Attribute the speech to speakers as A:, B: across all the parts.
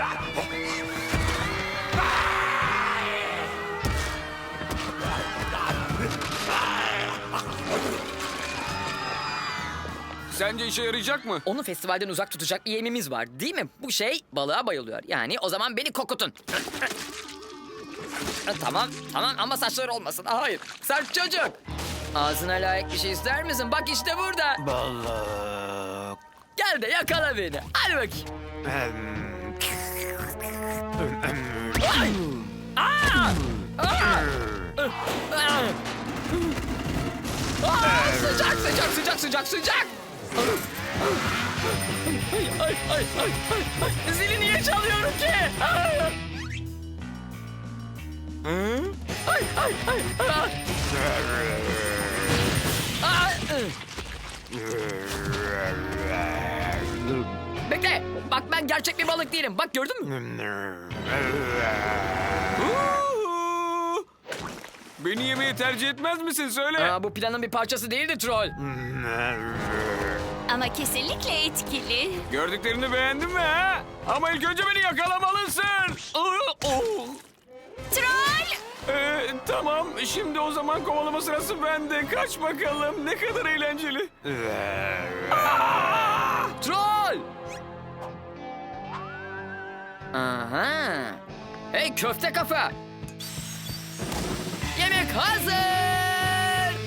A: Sence işe yarayacak mı?
B: Onu festivalden uzak tutacak bir yemimiz var değil mi? Bu şey balığa bayılıyor. Yani o zaman beni kokutun. Tamam ama saçları olmasın. Hayır, sert çocuk. Ağzına layık bir şey ister misin? Bak işte burada.
C: Balık.
B: Gel de yakala beni. Hadi bakayım. Ay! Aa! Aa! Aa! Sıcak. Ay. Zili niye çalıyorum ki? Ay. Bekle. Bak ben gerçek bir balık değilim. Bak gördün mü?
A: Beni yemeyi tercih etmez misin? Söyle.
B: Bu planın bir parçası değildi troll.
D: Ama kesinlikle etkili.
A: Gördüklerini beğendin mi ha? Ama ilk önce beni yakalamalısın.
D: Troll!
A: Tamam, şimdi o zaman kovalama sırası bende. Kaç bakalım, ne kadar eğlenceli.
B: Troll! Aha. Hey köfte kafa. Yemek hazır.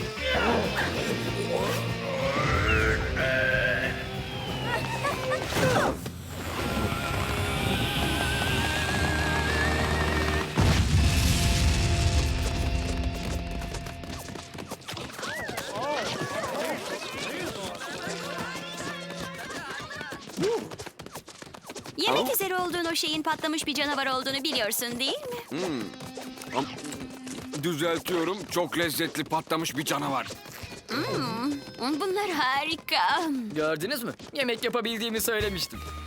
D: Yemek üzere olduğun o şeyin patlamış bir canavar olduğunu biliyorsun değil mi?
A: Düzeltiyorum, çok lezzetli patlamış bir canavar.
D: Bunlar harika.
B: Gördünüz mü? Yemek yapabildiğimi söylemiştim.